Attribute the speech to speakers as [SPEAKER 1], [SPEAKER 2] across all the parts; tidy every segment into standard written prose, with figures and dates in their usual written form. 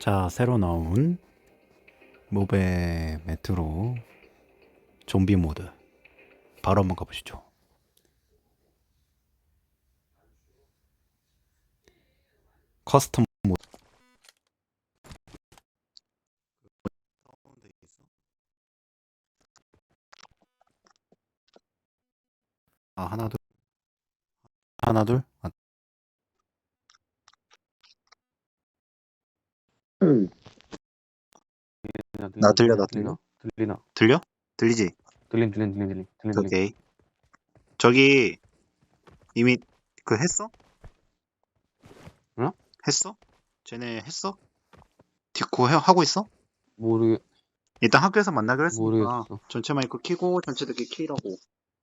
[SPEAKER 1] 자, 새로 나온 모베 메트로 좀비 모드 바로 한번 가보시죠. 커스텀 모드. 아, 하나 둘 하나 둘.
[SPEAKER 2] 나 들려, 나
[SPEAKER 3] 들리나?
[SPEAKER 2] 들려?
[SPEAKER 3] 들리나?
[SPEAKER 2] 들려? 들리지?
[SPEAKER 3] 들림.
[SPEAKER 2] 오케이. 저기, 이미, 했어?
[SPEAKER 3] 응?
[SPEAKER 2] 했어? 쟤네 했어? 디코 하고 있어? 일단 학교에서 만나기로 했으니까,
[SPEAKER 3] 모르겠어.
[SPEAKER 2] 전체 마이크 키고, 전체들끼리 키라고.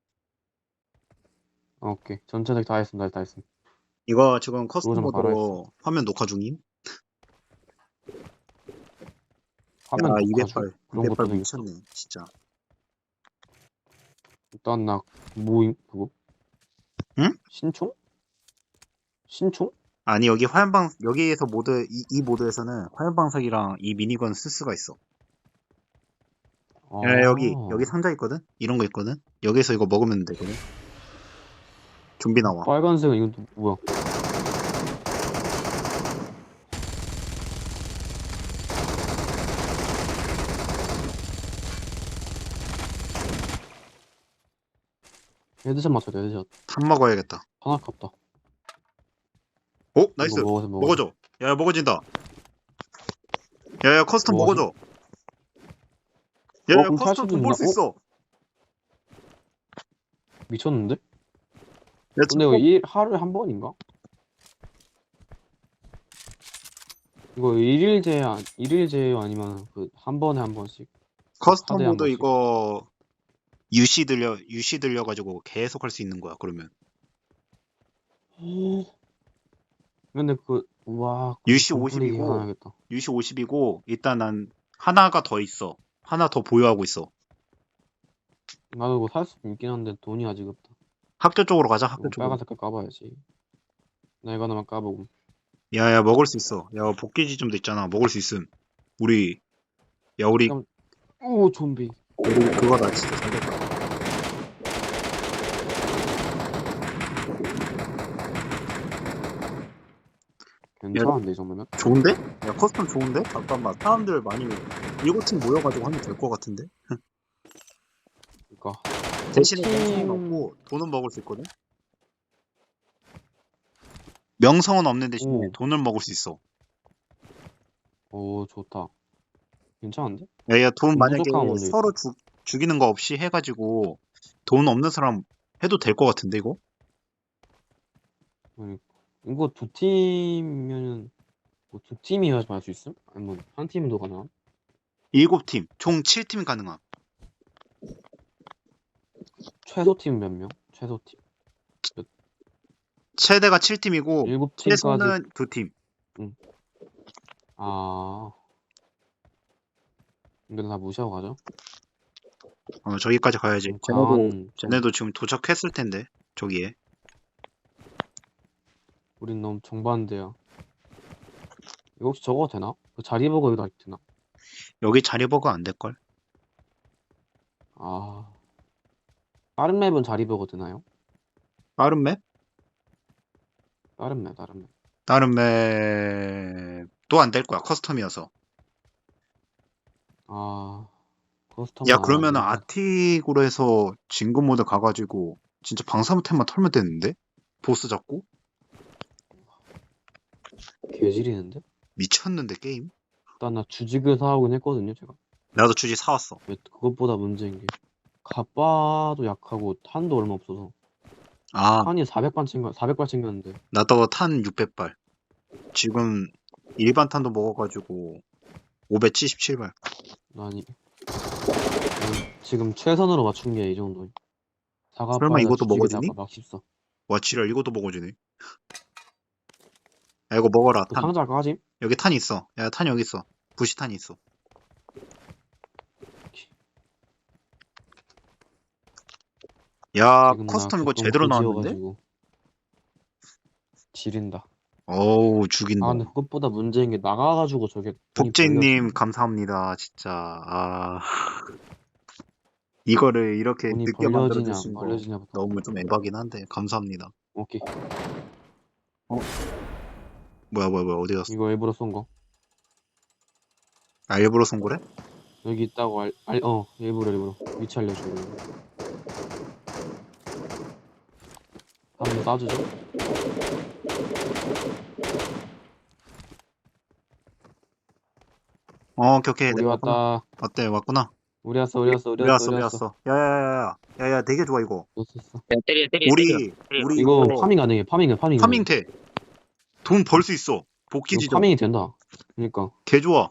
[SPEAKER 3] 오케이. 전체적 다 했음.
[SPEAKER 2] 이거 지금 커스텀
[SPEAKER 3] 로좀 바로 했어.
[SPEAKER 2] 모드로 화면 녹화 중임?
[SPEAKER 3] 화면
[SPEAKER 2] 야,
[SPEAKER 3] 녹화 중?
[SPEAKER 2] 208.
[SPEAKER 3] 그런
[SPEAKER 2] 208
[SPEAKER 3] 것도 되겠어?
[SPEAKER 2] 미쳤네, 진짜.
[SPEAKER 3] 일단 나 모임 그거?
[SPEAKER 2] 응?
[SPEAKER 3] 신총? 신총?
[SPEAKER 2] 아니, 여기에서 이 모드에서는 화염방사기랑 이 미니건 쓸 수가 있어. 야, 여기
[SPEAKER 3] 아,
[SPEAKER 2] 상자 있거든? 이런 거 있거든? 여기서 이거 먹으면 되거든? 좀비 나와.
[SPEAKER 3] 빨간색은 이건 또 뭐야? 헤드샷 맞춰야 돼. 헤드샷.
[SPEAKER 2] 탄 먹어야겠다.
[SPEAKER 3] 하나 깝다.
[SPEAKER 2] 오,
[SPEAKER 3] 이거
[SPEAKER 2] 나이스.
[SPEAKER 3] 먹어서
[SPEAKER 2] 먹어줘. 야, 먹어진다. 야, 커스텀
[SPEAKER 3] 먹어서?
[SPEAKER 2] 먹어줘. 야,
[SPEAKER 3] 그럼 탈
[SPEAKER 2] 커스텀
[SPEAKER 3] 수도
[SPEAKER 2] 돈 벌
[SPEAKER 3] 있나?
[SPEAKER 2] 수 있어.
[SPEAKER 3] 미쳤는데?
[SPEAKER 2] 야,
[SPEAKER 3] 근데 이거 하루에 한 번인가? 이거 일일 제외 아니면 그 한 번에 한 번씩?
[SPEAKER 2] 커스텀
[SPEAKER 3] 하루에 한
[SPEAKER 2] 모드
[SPEAKER 3] 번씩?
[SPEAKER 2] 이거 UC 들려가지고 계속 할 수 있는 거야, 그러면.
[SPEAKER 3] 근데 우와,
[SPEAKER 2] UC
[SPEAKER 3] 건플리기
[SPEAKER 2] 50이고,
[SPEAKER 3] 하나야겠다.
[SPEAKER 2] UC 50이고, 일단 난 하나가 더 있어. 하나 더 보유하고 있어.
[SPEAKER 3] 나도 이거 살 수 있긴 한데 돈이 아직 없다.
[SPEAKER 2] 학교 쪽으로 가자, 학교
[SPEAKER 3] 이거
[SPEAKER 2] 쪽으로.
[SPEAKER 3] 빨간 색깔 까봐야지. 나 이거 하나만 까보고.
[SPEAKER 2] 야, 먹을 수 있어. 야, 복귀지점도 있잖아. 먹을 수 있음. 우리, 우리
[SPEAKER 3] 오, 좀비.
[SPEAKER 2] 그거다, 진짜 잘 됐다.
[SPEAKER 3] 괜찮은데, 이 정도면?
[SPEAKER 2] 좋은데? 야, 커스텀 좋은데? 잠깐만. 사람들 많이, 7팀 모여가지고 하면 될 것 같은데?
[SPEAKER 3] 그니까.
[SPEAKER 2] 대신에 명성은 없고, 돈은 먹을 수 있거든? 명성은 없는 대신에
[SPEAKER 3] 오,
[SPEAKER 2] 돈을 먹을 수 있어.
[SPEAKER 3] 오, 좋다. 괜찮은데?
[SPEAKER 2] 야, 돈 만약에
[SPEAKER 3] 무적하면 안 되겠다.
[SPEAKER 2] 서로 죽이는 거 없이 해가지고, 돈 없는 사람 해도 될 것 같은데, 이거?
[SPEAKER 3] 그러니까. 이거 두 팀이면은, 두 팀이 해야지 할 수 있음? 아니면 한 팀도 가능함?
[SPEAKER 2] 7팀, 총 7팀 가능함.
[SPEAKER 3] 최소 팀 몇 명? 최소 팀.
[SPEAKER 2] 최대가 7팀이고,
[SPEAKER 3] 7팀까지,
[SPEAKER 2] 최소는 2팀.
[SPEAKER 3] 응. 아, 근데 다 무시하고 가죠?
[SPEAKER 2] 저기까지 가야지.
[SPEAKER 3] 좀 강한,
[SPEAKER 2] 쟤네도 지금 도착했을 텐데, 저기에.
[SPEAKER 3] 우린 너무 정반대야. 이거 혹시 저거 되나? 그 자리버거 이거 아직 되나?
[SPEAKER 2] 여기 자리버거 안 될걸?
[SPEAKER 3] 아, 다른 맵은 자리버거 되나요?
[SPEAKER 2] 빠른 맵?
[SPEAKER 3] 다른 맵.
[SPEAKER 2] 다른 맵도 안 될 거야. 커스텀이어서.
[SPEAKER 3] 아, 커스텀은
[SPEAKER 2] 야,
[SPEAKER 3] 안
[SPEAKER 2] 그러면은
[SPEAKER 3] 되겠다.
[SPEAKER 2] 아틱으로 해서 진급 모드 가가지고 진짜 방사무템만 털면 되는데? 보스 잡고?
[SPEAKER 3] 개지리는데?
[SPEAKER 2] 미쳤는데 게임?
[SPEAKER 3] 일단 나 주직을 사오긴 했거든요, 제가.
[SPEAKER 2] 나도 주지 사왔어.
[SPEAKER 3] 왜 그것보다 문제인 게 갑바도 약하고 탄도 얼마 없어서
[SPEAKER 2] 아,
[SPEAKER 3] 탄이 400발 챙겼는데
[SPEAKER 2] 나도 탄 600발. 지금 일반 탄도 먹어가지고 577발.
[SPEAKER 3] 아니 지금 최선으로 맞춘 게 이 정도.
[SPEAKER 2] 설마
[SPEAKER 3] 사과바에다
[SPEAKER 2] 이것도
[SPEAKER 3] 주직에다가
[SPEAKER 2] 먹어주니?
[SPEAKER 3] 막 씹어.
[SPEAKER 2] 와, 지랄, 이것도 먹어주네. 야, 이거 먹어라,
[SPEAKER 3] 그
[SPEAKER 2] 탄.
[SPEAKER 3] 상자 까짐?
[SPEAKER 2] 여기 탄 있어. 야, 탄 여기 있어. 부시탄이 있어. 야,
[SPEAKER 3] 지금 나
[SPEAKER 2] 커스텀 이거
[SPEAKER 3] 개똥
[SPEAKER 2] 제대로 나왔는데?
[SPEAKER 3] 그지여가지고 지린다.
[SPEAKER 2] 어우,
[SPEAKER 3] 아
[SPEAKER 2] 죽인다.
[SPEAKER 3] 근데 그것보다 문제인 게 나가가지고 저게 돈이
[SPEAKER 2] 복제님,
[SPEAKER 3] 벌려지네.
[SPEAKER 2] 감사합니다. 진짜. 아, 이거를 이렇게
[SPEAKER 3] 돈이
[SPEAKER 2] 늦게
[SPEAKER 3] 벌려지냐 안
[SPEAKER 2] 만들어주신 거
[SPEAKER 3] 벌려지냐부터.
[SPEAKER 2] 너무 좀 에바긴 한데, 감사합니다.
[SPEAKER 3] 오케이.
[SPEAKER 2] 어? 뭐야, 어디 갔어?
[SPEAKER 3] 이거 일부러 쏜 거.
[SPEAKER 2] 아, 일부러 쏜 거래?
[SPEAKER 3] 여기 있다고 일부러 위치 알려주고. 한번 쏴주죠.
[SPEAKER 2] 오케이.
[SPEAKER 3] 우리
[SPEAKER 2] 내가 왔구나.
[SPEAKER 3] 왔다.
[SPEAKER 2] 어때, 왔구나?
[SPEAKER 3] 우리 왔어.
[SPEAKER 2] 왜 왔어? 야야야야, 되게 좋아, 이거.
[SPEAKER 3] 왔어.
[SPEAKER 4] 야, 때려.
[SPEAKER 2] 우리
[SPEAKER 3] 이거
[SPEAKER 2] 이거
[SPEAKER 3] 파밍 가능해. 파밍 가능해.
[SPEAKER 2] 파밍 돼. 돈 벌 수 있어. 복귀
[SPEAKER 3] 이거
[SPEAKER 2] 지점.
[SPEAKER 3] 파밍이 된다. 그러니까
[SPEAKER 2] 개 좋아.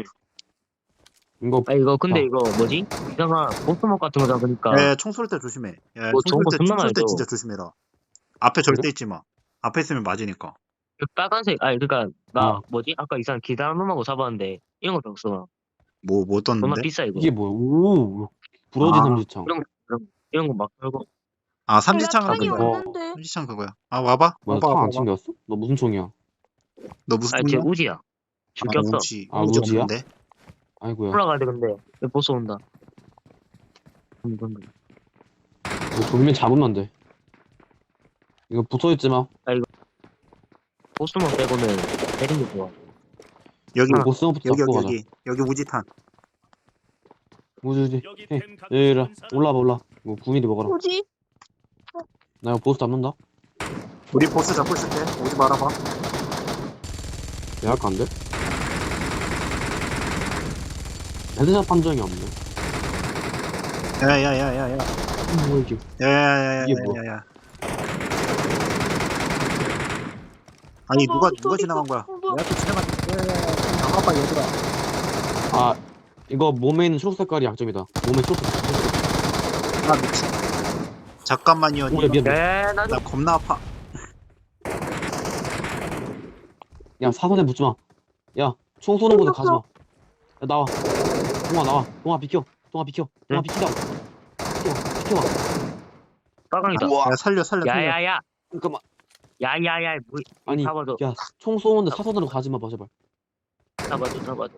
[SPEAKER 3] 이거
[SPEAKER 4] 아, 이거, 근데
[SPEAKER 3] 자.
[SPEAKER 4] 이거 뭐지? 이상한 보스목 같은 거 잡으니까.
[SPEAKER 2] 야, 총 쏠 때 조심해. 야,
[SPEAKER 4] 뭐 좋은 거 존나
[SPEAKER 2] 총쏠 때
[SPEAKER 4] 많이 줘.
[SPEAKER 2] 진짜 조심해라. 앞에
[SPEAKER 3] 그래?
[SPEAKER 2] 절대 있지 마. 앞에 있으면 맞으니까.
[SPEAKER 4] 그 빨간색, 그니까,
[SPEAKER 3] 아.
[SPEAKER 4] 뭐지? 아까 이상한 기다란 놈하고 잡았는데, 이런 것도 없어.
[SPEAKER 2] 뭐
[SPEAKER 4] 존나
[SPEAKER 2] 떴는데?
[SPEAKER 4] 비싸, 이거.
[SPEAKER 3] 이게 뭐야? 오. 부러진
[SPEAKER 2] 아.
[SPEAKER 3] 삼지창.
[SPEAKER 4] 이런 거 막 털고.
[SPEAKER 2] 아, 삼지창은
[SPEAKER 5] 탄이
[SPEAKER 3] 그거.
[SPEAKER 2] 그거야.
[SPEAKER 5] 없는데.
[SPEAKER 2] 삼지창 그거야. 아, 와봐.
[SPEAKER 3] 뭐야?
[SPEAKER 2] 와봐.
[SPEAKER 3] 탄 안 챙겼어? 너 무슨 총이야?
[SPEAKER 2] 너 무슨
[SPEAKER 4] 쟤
[SPEAKER 2] 총이야?
[SPEAKER 4] 우지야. 죽였어.
[SPEAKER 2] 우지.
[SPEAKER 3] 아,
[SPEAKER 2] 우지
[SPEAKER 3] 우지야?
[SPEAKER 2] 없는데?
[SPEAKER 3] 아이고야.
[SPEAKER 4] 올라가야 돼, 근데. 여기 보스 온다.
[SPEAKER 3] 이거 돌면 잡으면 돼. 이거 붙어있지 마.
[SPEAKER 4] 보스목 빼고는 때리는 게 좋아.
[SPEAKER 2] 여기,
[SPEAKER 3] 이거 보스부터 잡고 가자.
[SPEAKER 2] 여기 우지탄.
[SPEAKER 3] 우지. 얘들아 올라와. 이거 9mm 먹어라.
[SPEAKER 5] 뭐지?
[SPEAKER 3] 나 이거 보스 잡는다.
[SPEAKER 2] 우리 보스 잡고 있을게. 오지 말아봐.
[SPEAKER 3] 내가 할까 안 돼? 헤드샷 판정이 없네.
[SPEAKER 2] 야야야야야.
[SPEAKER 3] 뭐야 이게? 이게 뭐야?
[SPEAKER 2] 야야야야야야. 아니, 누가
[SPEAKER 5] 어디
[SPEAKER 2] 지나간
[SPEAKER 5] 있어?
[SPEAKER 2] 거야?
[SPEAKER 5] 뭐야?
[SPEAKER 2] 내가 또 지나간 나가봐, 얘들아.
[SPEAKER 3] 아 이거 몸에 있는 초록 색깔이 약점이다. 몸에 초록 색깔.
[SPEAKER 2] 아, 미친. 잠깐만요.
[SPEAKER 3] 오야 미안.
[SPEAKER 4] 나
[SPEAKER 2] 나 겁나 아파.
[SPEAKER 3] 야 사선에 붙지 마. 야 총 쏘는 곳에 가지 마. 야 나와. 동아 비켜. 동아
[SPEAKER 4] 응?
[SPEAKER 3] 비키라고. 비켜봐.
[SPEAKER 4] 빨강이다.
[SPEAKER 2] 야, 살려.
[SPEAKER 4] 야야야.
[SPEAKER 3] 잠깐만.
[SPEAKER 4] 야야야. 뭐,
[SPEAKER 3] 아니
[SPEAKER 4] 잡아줘.
[SPEAKER 3] 야 총 쏘는데 사선으로 가지 마 제발.
[SPEAKER 4] 잡아줘.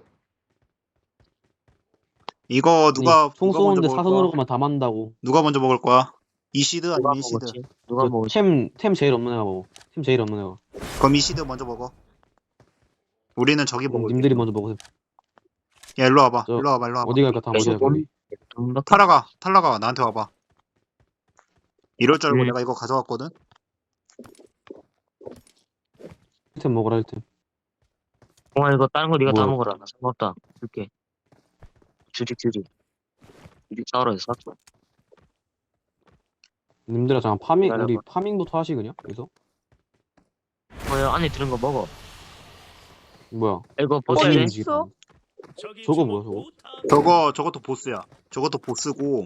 [SPEAKER 2] 이거
[SPEAKER 3] 아니,
[SPEAKER 2] 누가
[SPEAKER 3] 총
[SPEAKER 2] 먼저
[SPEAKER 3] 쏘는데
[SPEAKER 2] 먹을
[SPEAKER 3] 사선으로
[SPEAKER 2] 거야?
[SPEAKER 3] 가면 다 만다고.
[SPEAKER 2] 누가 먼저 먹을 거야? 이시드
[SPEAKER 4] 누가
[SPEAKER 2] 아니면 이시드?
[SPEAKER 4] 먹었지? 누가 먹었지?
[SPEAKER 3] 템 제일 없는 애가 먹어. 템 제일 없는 애가.
[SPEAKER 2] 그럼 이시드 먼저 먹어. 우리는 저기 먹을.
[SPEAKER 3] 님들이 먼저 먹으세요.
[SPEAKER 2] 야, 일로 와봐.
[SPEAKER 3] 저-
[SPEAKER 2] 일로 와봐.
[SPEAKER 3] 어디 갈까? 다 어디 갈까? 우리?
[SPEAKER 2] 탈라가 나한테 와봐. 이럴 줄 알고
[SPEAKER 4] 음.
[SPEAKER 2] 내가 이거 가져왔거든.
[SPEAKER 3] 1템 먹어라 1템.
[SPEAKER 4] 이거 다른 거 네가 다
[SPEAKER 3] 뭐야?
[SPEAKER 4] 먹어라. 나 상관없다. 줄게. 주직. 주직 싸우라 해서 샀어.
[SPEAKER 3] 님들아 잠깐 파밍
[SPEAKER 4] 기다려봐.
[SPEAKER 3] 우리 파밍부터 하시 그냥 여기서.
[SPEAKER 4] 야, 안에 들은 거 먹어.
[SPEAKER 3] 뭐야?
[SPEAKER 4] 이거
[SPEAKER 3] 어디
[SPEAKER 4] 벗어야 돼?
[SPEAKER 3] 있는지
[SPEAKER 5] 있어?
[SPEAKER 3] 저거 뭐야 저거?
[SPEAKER 2] 저것도 보스야. 저것도 보스고.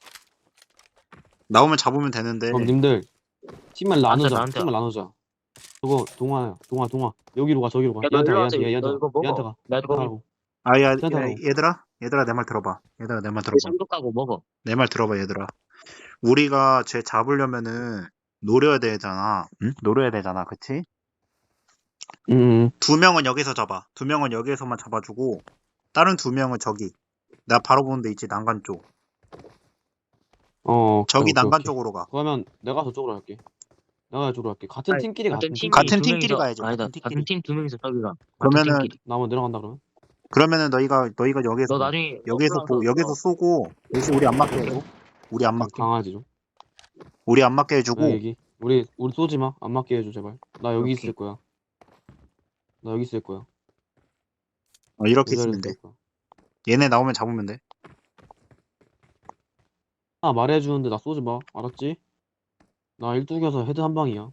[SPEAKER 2] 나오면 잡으면 되는데.
[SPEAKER 3] 그럼 님들 팀을 나누자.
[SPEAKER 4] 나한테
[SPEAKER 3] 팀을 나누자. 저거 동아야. 여기로 가 저기로 가.
[SPEAKER 4] 야, 너
[SPEAKER 3] 얘한테
[SPEAKER 4] 일로
[SPEAKER 3] 가
[SPEAKER 4] 와서
[SPEAKER 3] 얘한테
[SPEAKER 4] 너 이거 먹어.
[SPEAKER 3] 얘한테 가.
[SPEAKER 4] 나 이거
[SPEAKER 3] 가라고.
[SPEAKER 2] 야,
[SPEAKER 3] 괜찮다고.
[SPEAKER 2] 얘들아 내 말 들어봐. 내 말 들어봐.
[SPEAKER 4] 삼도 까고 먹어.
[SPEAKER 2] 내 말 들어봐, 얘들아. 우리가 쟤 잡으려면은 노려야 되잖아. 응? 노려야 되잖아, 그치?
[SPEAKER 3] 음.
[SPEAKER 2] 2명은 여기서 잡아. 2명은 여기에서만 잡아주고 다른 2명은 저기. 나 바로 보는 데 있지, 난간 쪽. 저기
[SPEAKER 3] 오케이,
[SPEAKER 2] 난간
[SPEAKER 3] 오케이.
[SPEAKER 2] 쪽으로 가.
[SPEAKER 3] 그러면 내가 저쪽으로 할게. 내가 저쪽으로 할게. 같은
[SPEAKER 4] 아니,
[SPEAKER 3] 팀끼리
[SPEAKER 4] 같은
[SPEAKER 3] 같은
[SPEAKER 4] 팀이
[SPEAKER 3] 팀.
[SPEAKER 2] 같은
[SPEAKER 4] 두
[SPEAKER 2] 팀끼리
[SPEAKER 4] 명이서-
[SPEAKER 2] 가야지,
[SPEAKER 4] 아니다.
[SPEAKER 2] 같은
[SPEAKER 4] 같은 팀 두 명이서 저기가.
[SPEAKER 2] 그러면은
[SPEAKER 4] 같은 팀끼리.
[SPEAKER 3] 나 한번 내려간다 그러면.
[SPEAKER 2] 너희가 여기에서
[SPEAKER 4] 너 나중에
[SPEAKER 2] 여기서 쏘고 대신 우리 안 맞게 해줘. 우리 안 맞게.
[SPEAKER 3] 강아지 좀.
[SPEAKER 2] 우리 안 맞게 해주고.
[SPEAKER 3] 나 여기. 우리 쏘지 마. 안 맞게 해줘 제발. 나 여기
[SPEAKER 2] 오케이.
[SPEAKER 3] 있을 거야. 나 여기 있을 거야.
[SPEAKER 2] 이렇게
[SPEAKER 3] 이 자리에
[SPEAKER 2] 있으면 돼.
[SPEAKER 3] 있을 거야.
[SPEAKER 2] 얘네 나오면 잡으면 돼.
[SPEAKER 3] 말해주는데 나 쏘지 마. 알았지? 나 일뚝여서 헤드 한 방이야.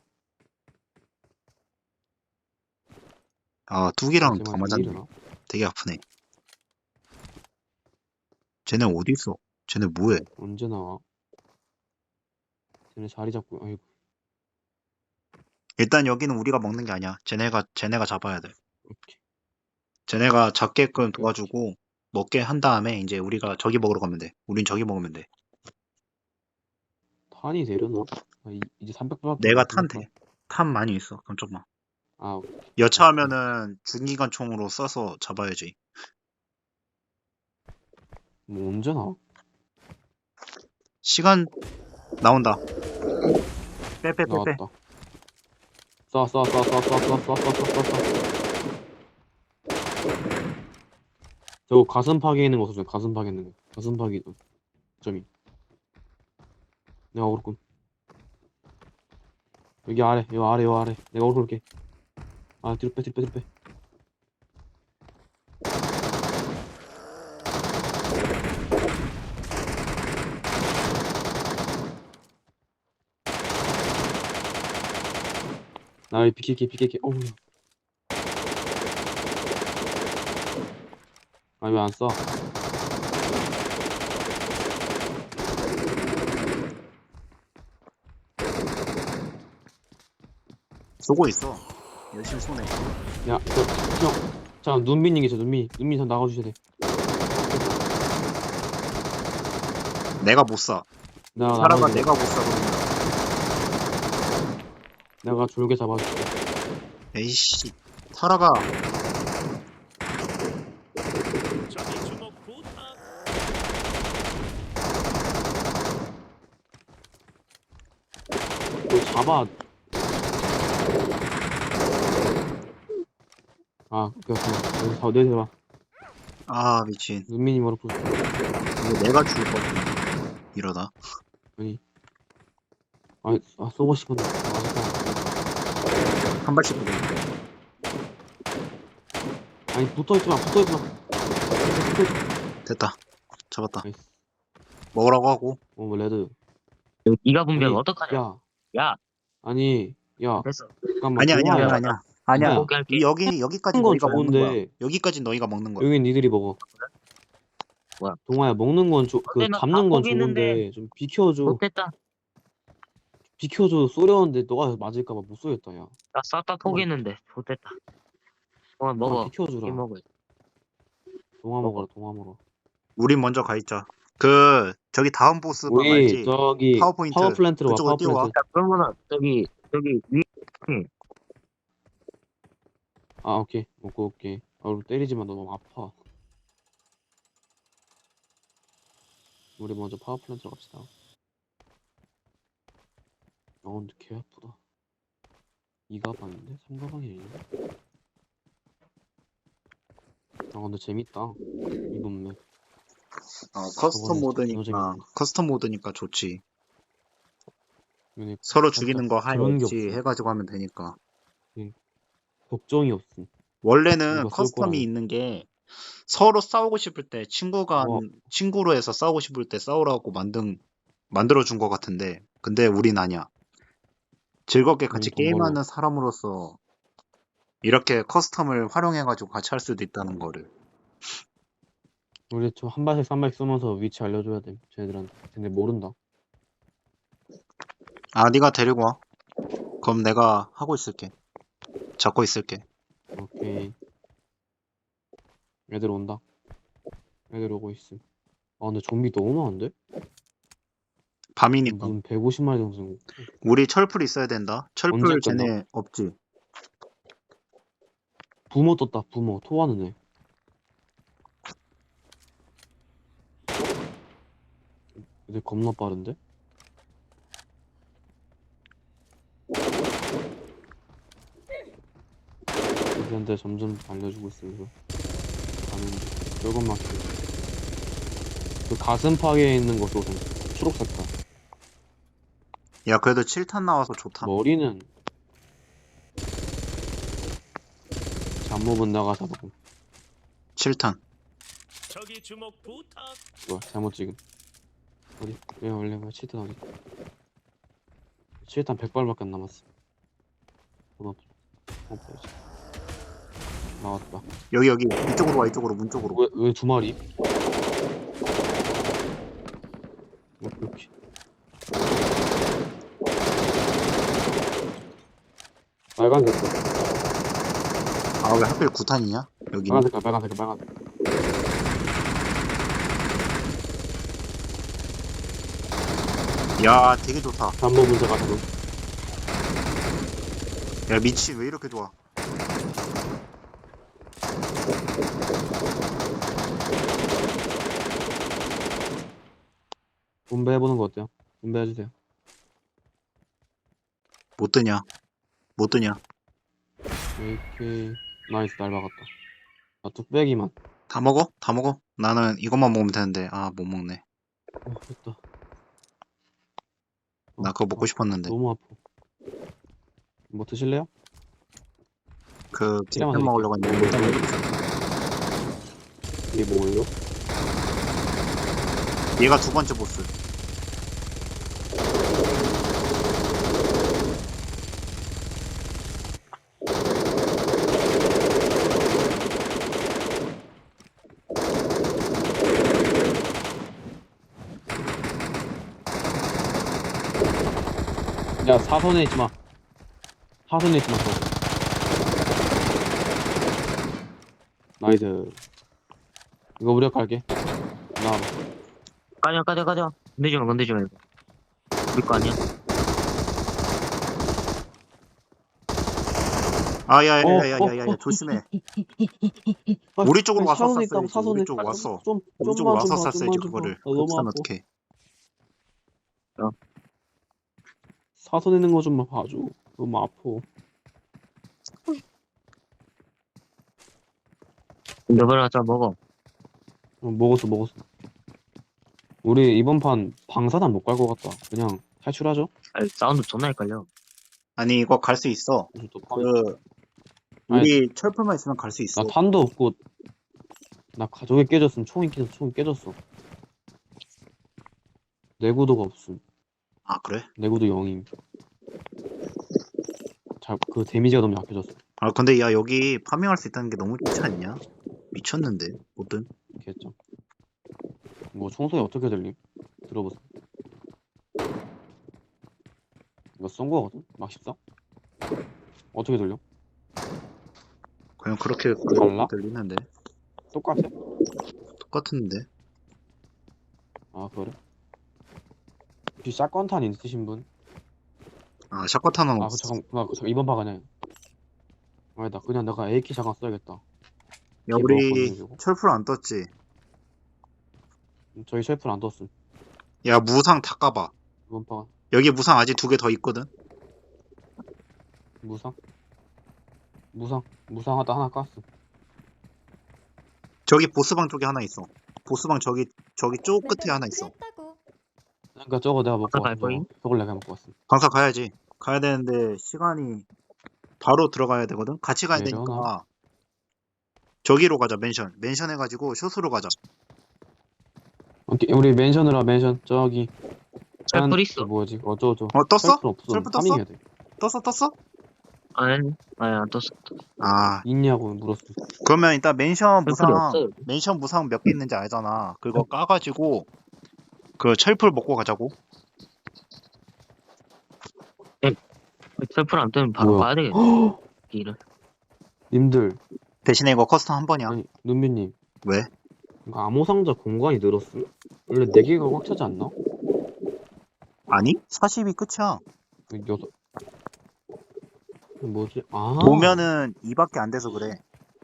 [SPEAKER 2] 아, 뚝이랑
[SPEAKER 3] 제발
[SPEAKER 2] 더
[SPEAKER 3] 좀
[SPEAKER 2] 맞았네.
[SPEAKER 3] 일어나.
[SPEAKER 2] 되게 아프네. 쟤네 어디 있어? 쟤네 뭐해?
[SPEAKER 3] 언제 나와? 쟤네 자리 잡고. 아이고.
[SPEAKER 2] 일단 여기는 우리가 먹는 게 아니야. 쟤네가 잡아야 돼.
[SPEAKER 3] 오케이.
[SPEAKER 2] 쟤네가 잡게끔 도와주고 먹게 한 다음에 이제 우리가 저기 먹으러 가면 돼. 우린 저기 먹으면 돼.
[SPEAKER 3] 탄이 되려나? 이제 300밖에
[SPEAKER 2] 내가 탄 돼. 탄 많이 있어. 그럼 좀만.
[SPEAKER 3] 아,
[SPEAKER 2] 여차하면은 중기관 총으로 쏴서 잡아야지.
[SPEAKER 3] 뭐 언제 나와?
[SPEAKER 2] 시간 나온다. 빼.
[SPEAKER 3] 나왔다. 쏴. 저거 가슴 파괴 있는 거 써줘. 가슴 파괴 있는 거. 가슴 파괴 점이. 내가 오를군. 여기 아래, 요 아래. 내가 오를게. 아, 뒤로 빼. 나 여기 비킬게. 어우. 아, 왜 안 쏴?
[SPEAKER 2] 쏘고 있어. 열심히 쏘네.
[SPEAKER 3] 야, 형. 자, 눈민이 계셔, 눈민이 좀 나가주셔야 돼.
[SPEAKER 2] 내가 못 쏴. 사람아
[SPEAKER 3] 나가줄게.
[SPEAKER 2] 내가 못 쏴. 그러면.
[SPEAKER 3] 내가 졸게 잡아줄게.
[SPEAKER 2] 에이씨. 타라가
[SPEAKER 3] 너 잡아. 아, 오케이. 내려봐.
[SPEAKER 2] 아 미친.
[SPEAKER 3] 눈민이 머리 풀.
[SPEAKER 2] 이거 내가 죽을 것 같아. 이러다.
[SPEAKER 3] 아니. 쏘고 싶은데.
[SPEAKER 2] 한 발씩 보내.
[SPEAKER 3] 아니, 붙어있지 마.
[SPEAKER 2] 됐다. 잡았다.
[SPEAKER 3] 나이스.
[SPEAKER 2] 먹으라고 하고.
[SPEAKER 3] 뭐, 레드.
[SPEAKER 4] 네가 분명
[SPEAKER 3] 아니,
[SPEAKER 4] 어떡하냐?
[SPEAKER 3] 야,
[SPEAKER 4] 야,
[SPEAKER 3] 아니, 야,
[SPEAKER 4] 됐어.
[SPEAKER 3] 잠깐만.
[SPEAKER 2] 아니야.
[SPEAKER 3] 동아야.
[SPEAKER 2] 아니야.
[SPEAKER 4] 포기할게.
[SPEAKER 2] 여기까지
[SPEAKER 3] 먹는 건
[SPEAKER 2] 너희가 먹는 거야.
[SPEAKER 3] 좋은데,
[SPEAKER 2] 여기까지 너희가 먹는 거야.
[SPEAKER 3] 여긴 니들이 먹어.
[SPEAKER 4] 뭐야?
[SPEAKER 3] 동아야, 먹는 건
[SPEAKER 4] 근데 나
[SPEAKER 3] 잡는
[SPEAKER 4] 다
[SPEAKER 3] 건
[SPEAKER 4] 포기했는데.
[SPEAKER 3] 좋은데, 좀 비켜줘.
[SPEAKER 4] 못됐다.
[SPEAKER 3] 쏘려는데 너가 맞을까봐 못 쏘겠다, 야.
[SPEAKER 4] 나 싹 다 포기했는데. 못됐다. 먹어.
[SPEAKER 3] 비켜주라.
[SPEAKER 4] 이 먹어.
[SPEAKER 3] 동아 먹어라.
[SPEAKER 2] 우리 먼저 가 있자. 그 저기 다음 보스 방
[SPEAKER 3] 우리,
[SPEAKER 2] 알지?
[SPEAKER 3] 저기,
[SPEAKER 2] 파워포인트.
[SPEAKER 3] 파워 플랜트로 와,
[SPEAKER 2] 그쪽으로
[SPEAKER 3] 파워
[SPEAKER 2] 뛰어와.
[SPEAKER 3] 플랜트.
[SPEAKER 4] 야, 그러면은 저기 위
[SPEAKER 3] 아, 오케이. 먹고 올게. 우리 때리지 마, 너 너무 아파. 우리 먼저 파워 플랜트로 갑시다. 근데 개 아프다. 2가방인데? 3가방이 아닌데? 근데 재밌다. 이번 맵. 저번에
[SPEAKER 2] 커스텀 모드니까 좋지.
[SPEAKER 3] 얘네
[SPEAKER 2] 서로
[SPEAKER 3] 살짝
[SPEAKER 2] 죽이는 거 하이
[SPEAKER 3] 그런 게
[SPEAKER 2] 없이
[SPEAKER 3] 없어.
[SPEAKER 2] 해가지고 하면 되니까.
[SPEAKER 3] 걱정이 없음.
[SPEAKER 2] 원래는
[SPEAKER 3] 누가 쏠
[SPEAKER 2] 커스텀이
[SPEAKER 3] 거라는.
[SPEAKER 2] 있는 게 서로 싸우고 싶을 때
[SPEAKER 3] 어.
[SPEAKER 2] 친구로 해서 싸우고 싶을 때 싸우라고 만들어 준 것 같은데, 근데 우린 아니야. 즐겁게 같이
[SPEAKER 3] 돈 벌러.
[SPEAKER 2] 게임하는 사람으로서 이렇게 커스텀을 활용해가지고 같이 할 수도 있다는 거를.
[SPEAKER 3] 우리 저 한 발씩 3발씩 쏘면서 위치 알려줘야 돼. 쟤네들한테. 쟤네 모른다.
[SPEAKER 2] 아, 네가 데리고 와. 그럼 내가 하고 있을게. 잡고 있을게.
[SPEAKER 3] 오케이. 애들 온다. 애들 오고 있음. 근데 좀비 너무 많은데?
[SPEAKER 2] 밤이니까.
[SPEAKER 3] 무슨 150마리 정도 생고.
[SPEAKER 2] 우리 철풀 있어야 된다. 철풀
[SPEAKER 3] 언제
[SPEAKER 2] 쟤네 없지.
[SPEAKER 3] 부모 떴다. 부모. 토하는 애. 애들 겁나 빠른데? 애들한테 점점 알려주고 있으면서 가는데 조금만 그 가슴 파괴에 있는 것도 좀 초록색깔.
[SPEAKER 2] 야, 그래도 7탄 나와서 좋다.
[SPEAKER 3] 머리는 잠몹은 나가 잡고
[SPEAKER 2] 7탄.
[SPEAKER 5] 저기 주목 부탁.
[SPEAKER 3] 뭐야 잘못 찍음. 어디? 왜 원래 뭐야 7탄 어디? 7탄 100발밖에 안 남았어. 없어야지. 나왔다.
[SPEAKER 2] 여기 이쪽으로 와. 이쪽으로 문 쪽으로.
[SPEAKER 3] 왜 두 마리? 이렇게. 빨간색.
[SPEAKER 2] 아, 왜 하필 9탄이냐? 여기.
[SPEAKER 3] 빨간색.
[SPEAKER 2] 야, 되게 좋다.
[SPEAKER 3] 잠몹 문제 가지고.
[SPEAKER 2] 야, 미친 왜 이렇게 좋아?
[SPEAKER 3] 분배해보는 거 어때요? 분배해주세요.
[SPEAKER 2] 못 드냐? 못 드냐?
[SPEAKER 3] AK 나이스 날 박았다. 나 뚝배기만.
[SPEAKER 2] 다 먹어? 다 먹어? 나는 이것만 먹으면 되는데 아 못 먹네.
[SPEAKER 3] 됐다.
[SPEAKER 2] 나 그거 먹고 싶었는데.
[SPEAKER 3] 너무 아파. 뭐 드실래요?
[SPEAKER 2] 그
[SPEAKER 3] 필요한
[SPEAKER 2] 잼
[SPEAKER 3] 거
[SPEAKER 2] 먹으려고 했는데 일단
[SPEAKER 3] 이게 뭐예요?
[SPEAKER 2] 얘가 두 번째 보스.
[SPEAKER 3] 야 사선에 있지 마. 사선에 있지 마. 저. 나이스. 이거 우리가 갈게. 나와봐.
[SPEAKER 4] 가자. 건들지 말고. 우리 거 아니야?
[SPEAKER 2] 아야야야야야야 조심해. 우리 쪽으로 와서
[SPEAKER 3] 사선에 있다고
[SPEAKER 2] 쐈어야지.
[SPEAKER 3] 사선에.
[SPEAKER 2] 우리 쪽으로 왔어.
[SPEAKER 3] 좀
[SPEAKER 2] 우리 쪽으로
[SPEAKER 3] 좀만 좀
[SPEAKER 2] 와서
[SPEAKER 3] 봐.
[SPEAKER 2] 쐈어야지
[SPEAKER 3] 좀만 좀 봐.
[SPEAKER 2] 그거를.
[SPEAKER 3] 나 너무
[SPEAKER 2] 그렇다면
[SPEAKER 3] 아파.
[SPEAKER 2] 어떡해.
[SPEAKER 3] 사선에 있는 거 좀만 봐줘. 너무 아파.
[SPEAKER 4] 너버려 자 먹어.
[SPEAKER 3] 먹었어. 우리 이번 판 방사단 못 갈 것 같다. 그냥 탈출하죠?
[SPEAKER 4] 아이, 사운드 존나 헷갈려.
[SPEAKER 2] 아니 이거 갈 수 있어.
[SPEAKER 3] 무슨 또
[SPEAKER 2] 그 우리 철풀만 있으면 갈 수 있어.
[SPEAKER 3] 나 탄도 없고 나 가족이 깨졌음. 총이 깨졌어. 내구도가 없음.
[SPEAKER 2] 아 그래?
[SPEAKER 3] 내구도 0임. 그 데미지가 너무 약해졌어.
[SPEAKER 2] 아 근데 야 여기 파밍할 수 있다는 게 너무 좋지 않냐? 미쳤는데 뭐든.
[SPEAKER 3] 개점. 뭐 총소리 어떻게 들림? 들어보세요. 이거 쏜 거거든? 막 14? 어떻게 들려?
[SPEAKER 2] 그냥 그렇게
[SPEAKER 3] 달라?
[SPEAKER 2] 들리는데
[SPEAKER 3] 똑같아?
[SPEAKER 2] 똑같은데.
[SPEAKER 3] 아 그래? 혹시 샷건탄 있으신 분?
[SPEAKER 2] 아 샷건탄은
[SPEAKER 3] 아
[SPEAKER 2] 없어.
[SPEAKER 3] 잠깐 이번 파 그냥 아니다 그냥 내가 AK 잠깐 써야겠다.
[SPEAKER 2] 야
[SPEAKER 3] 이게
[SPEAKER 2] 우리
[SPEAKER 3] 뭐였거든요, 이거?
[SPEAKER 2] 철풀 안 떴지?
[SPEAKER 3] 저희 쉘프는 안 떴음.
[SPEAKER 2] 야 무상 다 까봐.
[SPEAKER 3] 이번 파
[SPEAKER 2] 여기 무상 아직 2개 더 있거든.
[SPEAKER 3] 무상 무상하다 하나 깠음.
[SPEAKER 2] 저기 보스방 쪽에 하나 있어. 보스방 저기 쪽 끝에 하나 있어.
[SPEAKER 3] 그러니까 저거 내가 먹고
[SPEAKER 4] 갈
[SPEAKER 3] 왔어.
[SPEAKER 4] 거임?
[SPEAKER 3] 저걸 내가 먹고 왔음.
[SPEAKER 2] 방사 가야지. 가야 되는데 시간이 바로 들어가야 되거든. 같이 가야
[SPEAKER 3] 내려놔.
[SPEAKER 2] 되니까 저기로 가자. 맨션 해가지고 숏으로 가자.
[SPEAKER 3] 오케이, 우리 맨션으로 맨션 저기
[SPEAKER 4] 철풀 있어.
[SPEAKER 3] 뭐지 어쩌고
[SPEAKER 2] 떴어?
[SPEAKER 3] 셀프 없음.
[SPEAKER 2] 셀프 떴어?
[SPEAKER 3] 파밍해야 돼.
[SPEAKER 2] 떴어?
[SPEAKER 4] 아니 안 떴어.
[SPEAKER 2] 아
[SPEAKER 3] 있냐고 물었음.
[SPEAKER 2] 그러면 일단 맨션
[SPEAKER 4] 철풀이
[SPEAKER 2] 무상
[SPEAKER 4] 없어.
[SPEAKER 2] 맨션 무상 몇 개 있는지 알잖아. 그거 까가지고 그 철풀 먹고 가자고.
[SPEAKER 4] 철풀 안 뜨면 바로
[SPEAKER 3] 뭐야?
[SPEAKER 4] 가야 되겠네. 길을.
[SPEAKER 3] 님들
[SPEAKER 2] 대신에 이거 커스텀 한 번이야.
[SPEAKER 3] 아니 눈비님
[SPEAKER 2] 왜?
[SPEAKER 3] 이거 암호 상자 공간이 늘었음? 원래 4개가 꽉 차지 않나?
[SPEAKER 2] 아니? 40이 끝이야.
[SPEAKER 3] 여섯 뭐지? 아
[SPEAKER 2] 보면은 2밖에 안 돼서 그래.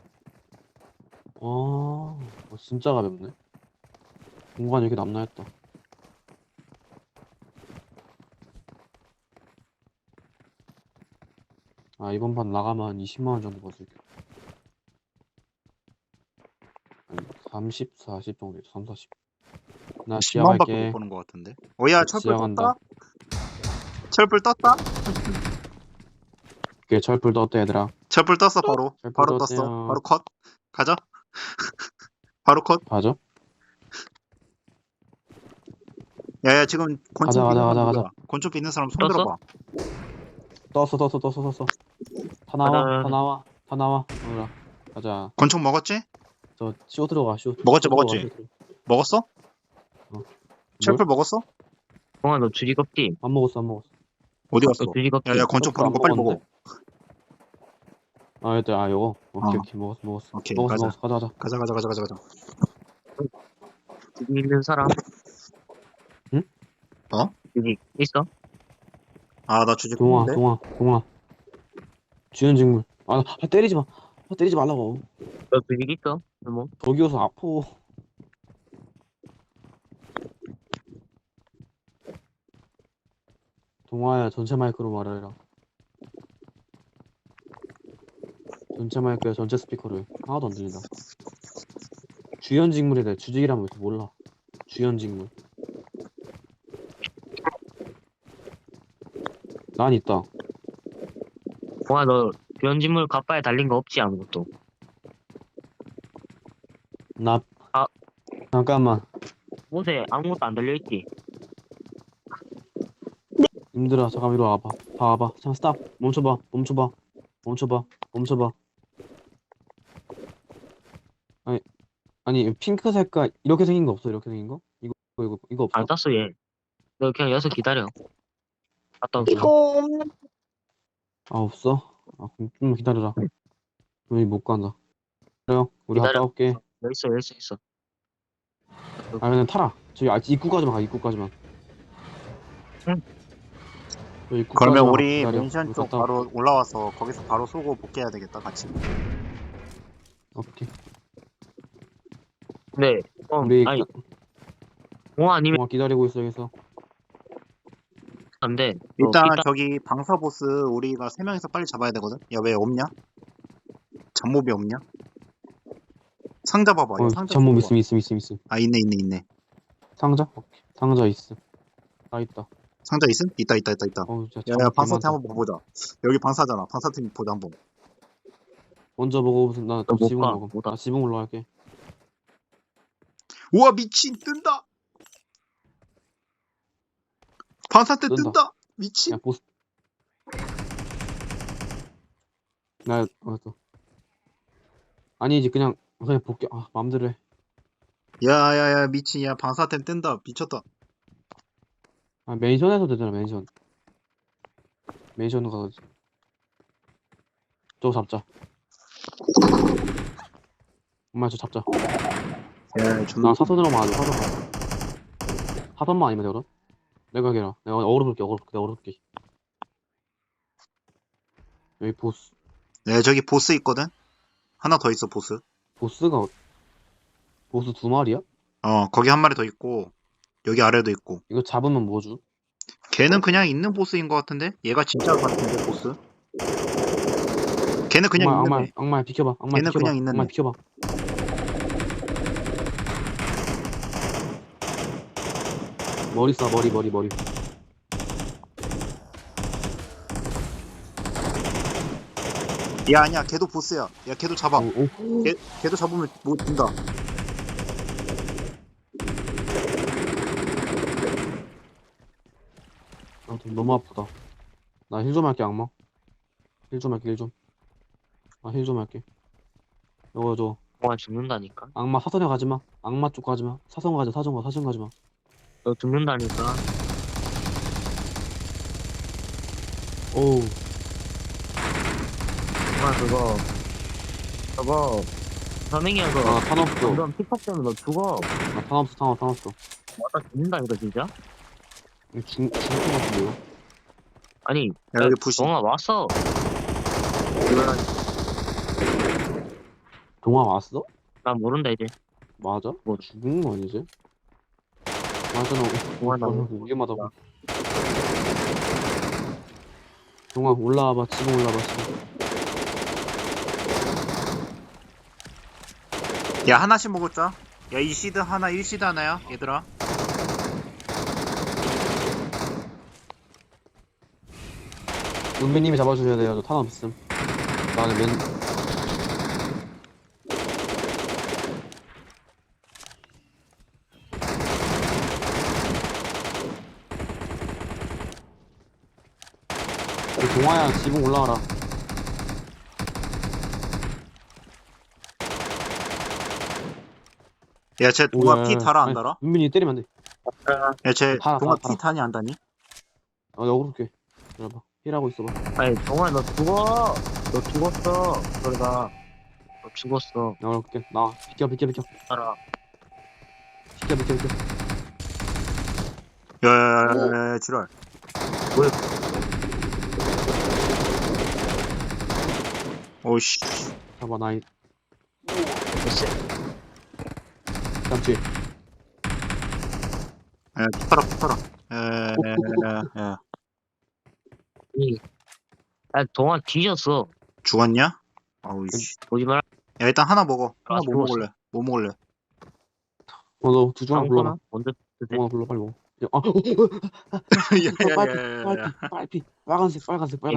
[SPEAKER 3] 진짜 가볍네. 공간이 이렇게 남나 했다. 아 이번 판 나가면 20만원 정도 벌을게. 아니 30, 40 정도 있어. 3, 40. 나
[SPEAKER 2] 10만밖에
[SPEAKER 3] 시작할게.
[SPEAKER 2] 못 보는 것 같은데. 야 철풀
[SPEAKER 3] 시작한다.
[SPEAKER 2] 떴다? 철풀 떴다?
[SPEAKER 3] 오케이 철풀 떴다 얘들아.
[SPEAKER 2] 철풀 떴어 바로.
[SPEAKER 3] 철풀
[SPEAKER 2] 바로
[SPEAKER 3] 떴대요.
[SPEAKER 2] 떴어. 바로 컷. 가자. 바로 컷.
[SPEAKER 3] 가죠?
[SPEAKER 2] 야야 지금 권총
[SPEAKER 3] 가자,
[SPEAKER 2] 있는
[SPEAKER 3] 가자,
[SPEAKER 2] 사람
[SPEAKER 3] 가자,
[SPEAKER 2] 누구야? 권총 있는 사람 손
[SPEAKER 4] 떴어?
[SPEAKER 2] 들어봐.
[SPEAKER 3] 떴어. 다 나와,
[SPEAKER 4] 가자.
[SPEAKER 3] 다 나와. 얘들아. 가자.
[SPEAKER 2] 권총 먹었지?
[SPEAKER 3] 저 쇼 들어가, 쇼.
[SPEAKER 2] 먹었지,
[SPEAKER 3] 쇼 들어가,
[SPEAKER 2] 먹었지?
[SPEAKER 3] 쇼 들어가.
[SPEAKER 2] 먹었어?
[SPEAKER 3] 뭘?
[SPEAKER 2] 철풀 먹었어?
[SPEAKER 4] 동아 너 주지 껍디.
[SPEAKER 3] 안 먹었어.
[SPEAKER 2] 어디 갔어?
[SPEAKER 4] 너 주지 껍디.
[SPEAKER 2] 야야 권총
[SPEAKER 3] 철풀
[SPEAKER 2] 부른 거
[SPEAKER 3] 안
[SPEAKER 2] 빨리 먹어.
[SPEAKER 3] 먹었는데? 얘들아, 요거. 오케이,
[SPEAKER 2] 어.
[SPEAKER 3] 오케이. 먹었어.
[SPEAKER 2] 오케이,
[SPEAKER 3] 먹었어. 가자.
[SPEAKER 2] 가자.
[SPEAKER 4] 주지 있는 사람.
[SPEAKER 3] 응?
[SPEAKER 2] 어?
[SPEAKER 4] 주지 있어?
[SPEAKER 2] 아 나 주제
[SPEAKER 3] 동아.
[SPEAKER 2] 콩인데?
[SPEAKER 3] 주연 직물. 때리지 마. 때리지 말라고.
[SPEAKER 4] 너 조직 있어? 뭐?
[SPEAKER 3] 저기여서 아파. 동화야, 전체 마이크로 말해라. 전체 마이크야, 전체 스피커로 해. 하나도 안 들린다. 주연 직물이래. 주직이라면 왜 이렇게 몰라. 주연 직물. 난 있다.
[SPEAKER 4] 동아, 너 변진물 갑바에 달린 거 없지, 아무것도.
[SPEAKER 3] 나,
[SPEAKER 4] 아.
[SPEAKER 3] 잠깐만.
[SPEAKER 4] 옷에 아무것도 안 달려있지?
[SPEAKER 3] 힘들어. 잠깐 이리 와봐. 봐봐. 잠깐 스탑. 멈춰봐. 아니 핑크 색깔 이렇게 생긴 거 없어? 이렇게 생긴 거? 이거 없어?
[SPEAKER 4] 안 땄어, 얘. 너 그냥 여기서 기다려. 갔다 올게.
[SPEAKER 3] 아 없어? 아 그럼 좀 기다려라. 여기 못 간다. 그래요. 우리
[SPEAKER 4] 기다려.
[SPEAKER 3] 갔다 올게.
[SPEAKER 4] 여기 있어.
[SPEAKER 3] 아 그냥 타라. 저기 입구까지만 가. 입구까지만.
[SPEAKER 4] 응.
[SPEAKER 3] 저 입구까지만
[SPEAKER 2] 그러면
[SPEAKER 3] 가,
[SPEAKER 2] 우리
[SPEAKER 3] 기다려.
[SPEAKER 2] 멘션
[SPEAKER 3] 우리
[SPEAKER 2] 쪽
[SPEAKER 3] 갔다
[SPEAKER 2] 바로 올라와서 거기서 바로 쏘고 복귀해야 되겠다 같이.
[SPEAKER 3] 오케이.
[SPEAKER 4] 네.
[SPEAKER 3] 우리
[SPEAKER 4] 아니, 동아 아니면
[SPEAKER 3] 동아 기다리고 있어 여기서.
[SPEAKER 4] 안 돼.
[SPEAKER 2] 일단 저기 방사 보스 우리가 3명이서 빨리 잡아야 되거든. 야 왜 없냐? 잡몹이 없냐? 상자 봐봐. 이거 상자
[SPEAKER 3] 잠몸
[SPEAKER 2] 봐봐.
[SPEAKER 3] 있음.
[SPEAKER 2] 아 있네.
[SPEAKER 3] 상자? 오케이. 상자 있음. 다 있다.
[SPEAKER 2] 상자 있음? 있다.
[SPEAKER 3] 어우 진짜
[SPEAKER 2] 야야
[SPEAKER 3] 잠옷
[SPEAKER 2] 방사태
[SPEAKER 3] 개많다.
[SPEAKER 2] 한번 보자. 여기 방사잖아. 방사태 보자 한번.
[SPEAKER 3] 먼저 먹어. 나
[SPEAKER 4] 못
[SPEAKER 3] 지붕
[SPEAKER 4] 가,
[SPEAKER 3] 먹어.
[SPEAKER 4] 못 가.
[SPEAKER 3] 나 지붕 올라갈게.
[SPEAKER 2] 우와 미친 뜬다. 방사태
[SPEAKER 3] 뜬다.
[SPEAKER 2] 뜬다. 미친.
[SPEAKER 3] 야 보스. 나 알았어. 아니지 그냥 볼게. 아 마음대로 해.
[SPEAKER 2] 야야야 미친. 야 방사태 뜬다. 미쳤다.
[SPEAKER 3] 아 맨션에서 되잖아 맨션. 맨션으로 가야지. 저거 잡자. 엄마 저 잡자.
[SPEAKER 2] 야 존나.
[SPEAKER 3] 나 사선으로 맞아. 사선만 아니면 되거든. 내가 해라. 내가 어그로 볼게. 여기 보스.
[SPEAKER 2] 네 저기 보스 있거든. 하나 더 있어 보스.
[SPEAKER 3] 보스 2마리야?
[SPEAKER 2] 거기 한 마리 더 있고 여기 아래도 있고.
[SPEAKER 3] 이거 잡으면 뭐 주?
[SPEAKER 2] 걔는 그냥 있는 보스인 것 같은데? 얘가 진짜 같은데 보스? 걔는 그냥 있는 애.
[SPEAKER 3] 악마 비켜봐.
[SPEAKER 2] 걔는 그냥 있는
[SPEAKER 3] 악마
[SPEAKER 2] 애.
[SPEAKER 3] 비켜봐. 머리 쏴 머리.
[SPEAKER 2] 야 아니야 걔도 보스야. 야 걔도 잡아.
[SPEAKER 3] 오.
[SPEAKER 2] 걔도 잡으면 뭐 준다.
[SPEAKER 3] 아, 너무 아프다. 나 힐 좀 할게 악마. 힐 좀. 아 힐 좀 할게. 이거
[SPEAKER 4] 동아 죽는다니까.
[SPEAKER 3] 악마 사선에 가지마. 악마 쪽 가지마. 사선 가지마.
[SPEAKER 4] 너 죽는다니까.
[SPEAKER 3] 오우.
[SPEAKER 4] 동아 저거 선행이야 그거.
[SPEAKER 3] 아 탄 없어.
[SPEAKER 4] 점점 픽업 되면 너 죽어.
[SPEAKER 3] 아 탄 없어.
[SPEAKER 4] 맞다 죽는다니까 진짜.
[SPEAKER 3] 이거 죽을 것 같은데요?
[SPEAKER 4] 아니
[SPEAKER 2] 야 여기 부시.
[SPEAKER 4] 동아 왔어.
[SPEAKER 3] 동화 왔어?
[SPEAKER 4] 난 모른다 이제.
[SPEAKER 3] 맞아?
[SPEAKER 4] 뭐.
[SPEAKER 3] 죽은 거 아니지? 맞아.
[SPEAKER 4] 동아 나
[SPEAKER 3] 위험하다. 동화 올라와봐. 지금 올라와봐.
[SPEAKER 2] 야 하나씩 먹었자. 야 2시드 하나 1시드 하나야 얘들아.
[SPEAKER 3] 은비님이 잡아주셔야 돼요. 저 탄 없음. 나는 동화야 지붕 올라와라.
[SPEAKER 2] 야쟤 동아 피 달아 안
[SPEAKER 3] 아니,
[SPEAKER 2] 달아?
[SPEAKER 3] 은빈이 때리면 안 돼.
[SPEAKER 2] 야쟤
[SPEAKER 3] 달아,
[SPEAKER 2] 동아
[SPEAKER 3] 달아.
[SPEAKER 2] 피 다니 안 다니?
[SPEAKER 3] 아, 나 억울게. 기다려봐. 힐하고 있어봐.
[SPEAKER 4] 아니 동아 너 죽어. 너 죽었어. 그러다 너 죽었어.
[SPEAKER 3] 나 억울게. 나 비켜.
[SPEAKER 4] 알아.
[SPEAKER 3] 비켜.
[SPEAKER 2] 야야야야 지랄. 오씨.
[SPEAKER 3] 잡아, 나이.
[SPEAKER 4] 됐어.
[SPEAKER 3] 깜치.
[SPEAKER 2] 에, 툭하라. 에,
[SPEAKER 4] 이, 동안 뒤졌어.
[SPEAKER 2] 죽었냐? 아우, 씨.
[SPEAKER 4] 보지 마라.
[SPEAKER 2] 야, 일단 하나 먹어. 하나 뭐
[SPEAKER 4] 죽었어.
[SPEAKER 2] 먹을래? 뭐 먹을래?
[SPEAKER 3] 너 두 중 하나 불러봐.
[SPEAKER 4] 아무거나 먼저 드세.
[SPEAKER 3] 동아 불러, 빨리 먹어. 야,
[SPEAKER 2] 야야야야야.
[SPEAKER 3] 빨피. 빨간색.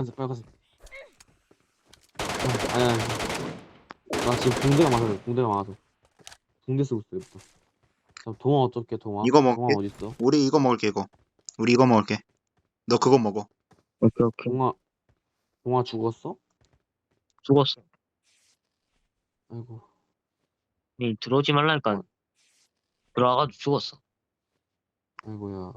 [SPEAKER 3] 아니야. 나 지금 붕대가 많아서. 붕대 쓰고 있어, 이부터. 자, 동아 어쩔게, 동아?
[SPEAKER 2] 이거 먹게.
[SPEAKER 3] 동아 어딨어?
[SPEAKER 2] 우리 이거 먹을게, 이거. 우리 이거 먹을게. 너 그거 먹어.
[SPEAKER 4] 오케이.
[SPEAKER 3] 동아 죽었어?
[SPEAKER 4] 죽었어.
[SPEAKER 3] 아이고.
[SPEAKER 4] 들어오지 말라니까. 들어와가지고 죽었어.
[SPEAKER 3] 아이고야.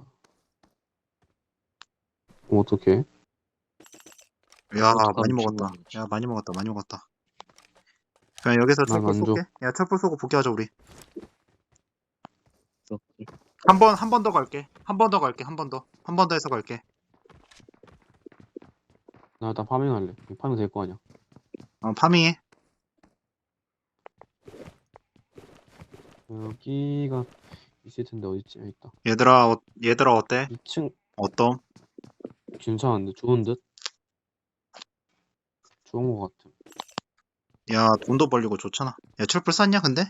[SPEAKER 3] 어떡해?
[SPEAKER 2] 야,
[SPEAKER 4] 어떡하면
[SPEAKER 2] 많이 먹었다.
[SPEAKER 4] 죽는
[SPEAKER 2] 야, 많이 먹었다. 그냥 여기서
[SPEAKER 3] 난
[SPEAKER 2] 촛불
[SPEAKER 3] 안 줘.
[SPEAKER 2] 쏠게. 야, 촛불 쏘고 복귀하자, 우리.
[SPEAKER 4] 오케이.
[SPEAKER 2] 한 번 더 갈게. 한 번 더 해서 갈게.
[SPEAKER 3] 나 일단 파밍할래. 파밍 될 거 아니야.
[SPEAKER 2] 파밍해.
[SPEAKER 3] 여기가 있을 텐데 어딨지? 여기 있다.
[SPEAKER 2] 얘들아, 어때?
[SPEAKER 3] 2층
[SPEAKER 2] 어떤?
[SPEAKER 3] 괜찮은데? 좋은 듯? 좋은 거 같아.
[SPEAKER 2] 야, 돈도 벌리고 좋잖아. 야, 촛불 쐈냐, 근데?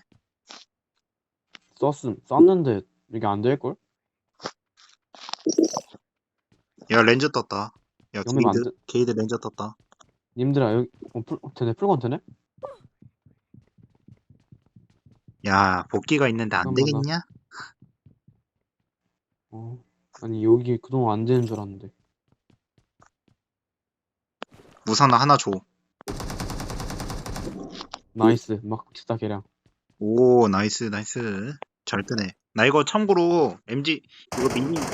[SPEAKER 3] 썼는데 이게 안 될걸?
[SPEAKER 2] 야, 렌즈 떴다. 야,
[SPEAKER 3] 영면 안 돼.
[SPEAKER 2] 게이드 렌즈 떴다.
[SPEAKER 3] 님들아 여기 되네 풀건 되네?
[SPEAKER 2] 야, 복귀가 있는데 안
[SPEAKER 3] 잠깐만,
[SPEAKER 2] 되겠냐?
[SPEAKER 3] 아니 여기 그동안 안 되는 줄 알았는데.
[SPEAKER 2] 우산 하나 줘.
[SPEAKER 3] 나이스 막 진짜 개량.
[SPEAKER 2] 오, 나이스. 잘 뜨네. 나 이거 참고로, MG, 이거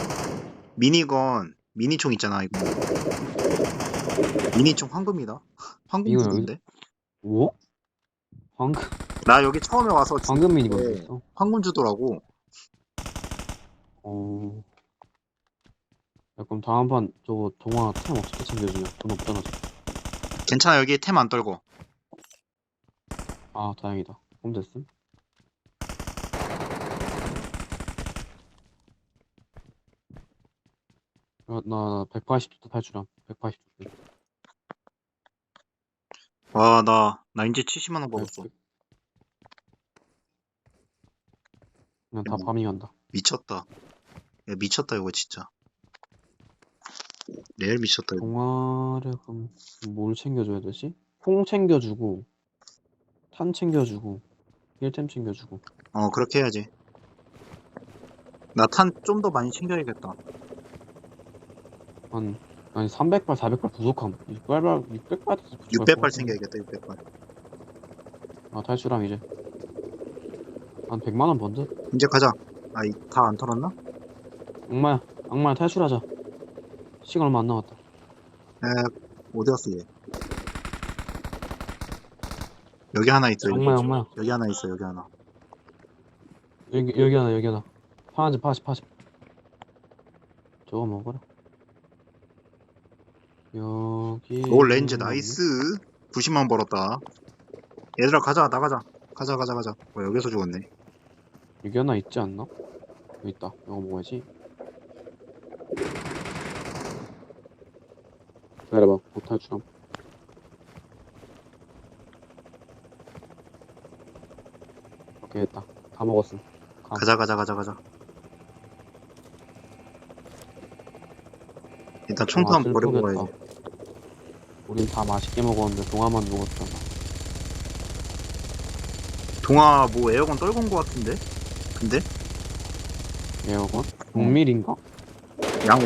[SPEAKER 2] 미니총 있잖아, 이거. 미니총 황금이다. 황금
[SPEAKER 3] 이거
[SPEAKER 2] 주던데?
[SPEAKER 3] 뭐? 방금
[SPEAKER 2] 나 여기 처음에 와서
[SPEAKER 3] 방금 미니건
[SPEAKER 2] 네.
[SPEAKER 3] 있어.
[SPEAKER 2] 황금 주더라고.
[SPEAKER 3] 야, 그럼 다음 판 저거 동화 템 어떻게 챙겨주냐? 돈 없잖아.
[SPEAKER 2] 괜찮아, 여기 템 안 떨고.
[SPEAKER 3] 아 다행이다. 그럼 됐음. 야, 나 180도 탈출함. 180도.
[SPEAKER 2] 와, 나 이제 70만원 벌었어.
[SPEAKER 3] 그냥 다 파밍한다.
[SPEAKER 2] 미쳤다. 야, 미쳤다, 이거 진짜. 레알 미쳤다, 이거.
[SPEAKER 3] 동화를 그럼 뭘 챙겨줘야 되지? 콩 챙겨주고 탄 챙겨주고 힐템 챙겨주고.
[SPEAKER 2] 그렇게 해야지. 나 탄 좀 더 많이 챙겨야겠다.
[SPEAKER 3] 아니 300발 400발 부족함. 600발
[SPEAKER 2] 600발 챙겨야겠다, 600발.
[SPEAKER 3] 아 탈출함 이제 한 100만원 번 듯?
[SPEAKER 2] 이제 가자. 다 안 털었나?
[SPEAKER 3] 악마야 탈출하자. 시간 얼마 안 남았다.
[SPEAKER 2] 어디 갔어, 얘? 여기 하나 있어, 여기.
[SPEAKER 3] 악마야
[SPEAKER 2] 여기 하나 있어, 여기 하나.
[SPEAKER 3] 여기 하나 파란색 80 저거 먹어라. 여기
[SPEAKER 2] 오, 렌즈 나이스. 90만 벌었다. 얘들아, 가자, 나가자. 가자. 여기서 죽었네.
[SPEAKER 3] 여기 하나 있지 않나? 여기 있다. 이거 먹어야지. 기다려봐. 못탈출함. 오케이 됐다. 다 먹었음.
[SPEAKER 2] 가자. 일단 총도 한번 버리고 가야지.
[SPEAKER 3] 우린 다 맛있게 먹었는데 동화만 먹었잖아.
[SPEAKER 2] 동아, 뭐 에어건 떨군 거 같은데? 근데?
[SPEAKER 3] 에어건? 동밀인가?
[SPEAKER 2] 양호.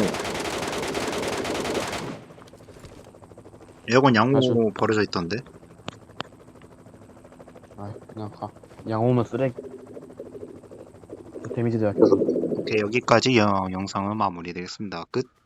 [SPEAKER 2] 에어건 양호
[SPEAKER 3] 아주.
[SPEAKER 2] 버려져 있던데?
[SPEAKER 3] 아 그냥 가. 양호면 쓰레기. 데미지 대학.
[SPEAKER 2] 오케이, 여기까지 영상은 마무리되겠습니다. 끝.